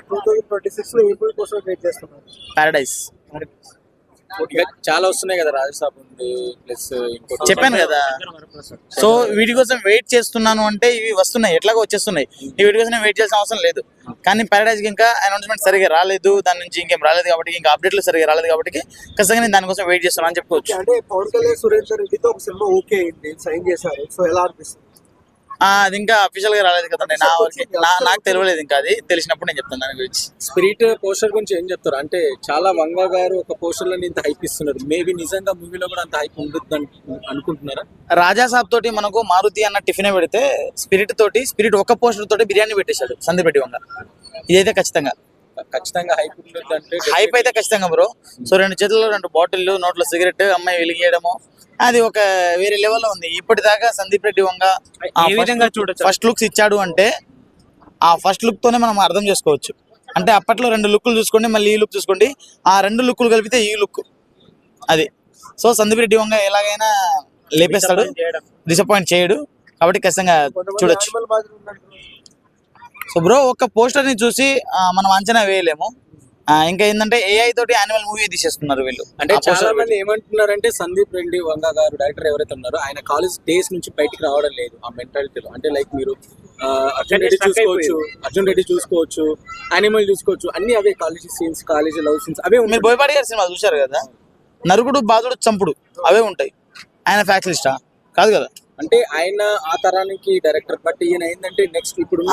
2026 లో ఏపీ కోసం వెయిట్ చేస్తున్నారు. పారడైజ్ ఇంకా చాలా వస్తున్నాయి కదా, రాజసాబ్ ఉంది ప్లస్ ఇంకోటి చెప్పాను కదా. సో వీటి కోసం వెయిట్ చేస్తున్నాను అంటే ఇవి వస్తున్నాయి, ఎట్లాగో వచ్చేస్తున్నాయి. ఈ వీటి కోసం వెయిట్ చేయాల్సిన అవసరం లేదు. కానీ పారడైజ్ కి ఇంకా అనౌన్స్మెంట్ సరిగా రాలేదు, దాని నుంచి ఇంకేం రాలేదు కాబట్టి, ఇంకా అప్డేట్లు సరిగా రాలేదు కాబట్టి ఖచ్చితంగా నేను దానికోసం వెయిట్ చేస్తున్నాను అని చెప్పుకోవచ్చు. అంటే పవన్ కళ్యాణ్ సురేందర్ రెడ్డితో ఒక సినిమా ఓకే అయింది, సైన్ చేశారు. సో ఎలా అనిపిస్తుంది? అది ఇంకా అఫీషియల్ గా రాలేదు కదా, నాకు తెలియలేదు. ఇంకా అది తెలిసినప్పుడు నేను చెప్తాను దాని గురించి. స్పిరిట్ పోస్టర్ గురించి ఏం చెప్తారు? అంటే చాలా వంగ గారు ఒక పోస్టర్ లో ఇంత హైప్ ఇస్తున్నారు, మేబీ నిజంగా మూవీలో కూడా అంత హైప్ ఉంటుంది అనుకుంటున్నారా? రాజాసాబ్ తోటి మనకు మారుతి అన్న టిఫిన్ పెడితే స్పిరిట్ ఒక పోస్టర్ తోటి బిర్యానీ పెట్టేశాడు సందీప్ రెడ్డి వంగ. ఇదైతే ఖచ్చితంగా హైప్ ఉంటుంది. అంటే హైప్ అయితే ఖచ్చితంగా బ్రో. సో 2 చేతుల్లో 2 బాటిల్లు, నోట్లో సిగరెట్, అమ్మాయి వెలిగేయడము, అది ఒక వేరే లెవెల్లో ఉంది. ఇప్పటిదాకా సందీప్ రెడ్డి వంగ ఫస్ట్ లుక్స్ ఇచ్చాడు అంటే ఆ ఫస్ట్ లుక్ తోనే మనం అర్థం చేసుకోవచ్చు. అంటే అప్పట్లో 2 లుక్లు చూసుకోండి, మళ్ళీ ఈ లుక్ చూసుకోండి, ఆ 2 లుక్లు కలిపితే ఈ లుక్ అది. సో సందీప్ రెడ్డి వంగ ఎలాగైనా లేపేస్తాడు, డిసప్పాయింట్ చేయడు, కాబట్టి ఖచ్చితంగా చూడొచ్చు. సో బ్రో ఒక పోస్టర్ ని చూసి మనం అంచనా వేయలేము. ఇంకా ఏంటంటే ఏఐ తోటి యానిమల్ మూవీ తీసేస్తున్నారు వీళ్ళు. అంటే చాలా మంది ఏమంటున్నారంటే సందీప్ రెడ్డి వంగ గారు డైరెక్టర్ ఎవరైతే ఉన్నారో ఆయన కాలేజ్ డేస్ నుంచి బయటికి రావడం లేదు ఆ మెంటాలిటీలో. అంటే లైక్ మీరు అర్జున్ రెడ్డి చూసుకోవచ్చు, యానిమల్ చూసుకోవచ్చు, అన్ని అవే college scenes, college love scenes అవే. మీరు బోయపాటి గారి సినిమా చూశారు కదా, నరుకుడు, బాధుడు, చంపుడు అవే ఉంటాయి. ఆయన ఫ్యాక్ట్ లిస్టా కాదు కదా. అంటే ఆయన ఆ తరానికి డైరెక్టర్, బట్ ఈయన ఏంటంటే నెక్స్ట్ ఇప్పుడున్న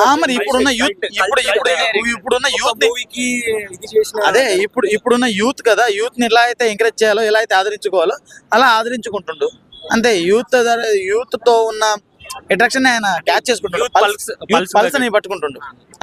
యూత్ మూవీకి ఇది చేసిన అదే ఇప్పుడున్న యూత్ కదా, యూత్ ని ఎలా అయితే ఎంకరేజ్ చేయాలో, ఎలా అయితే ఆదరించుకోవాలో అలా ఆదరించుకుంటుండు అంతే. యూత్ తో ఉన్న అట్రాక్షన్ ఆయన క్యాచ్ చేసుకుంటాడు, పల్స్ ని పట్టుకుంటుండు.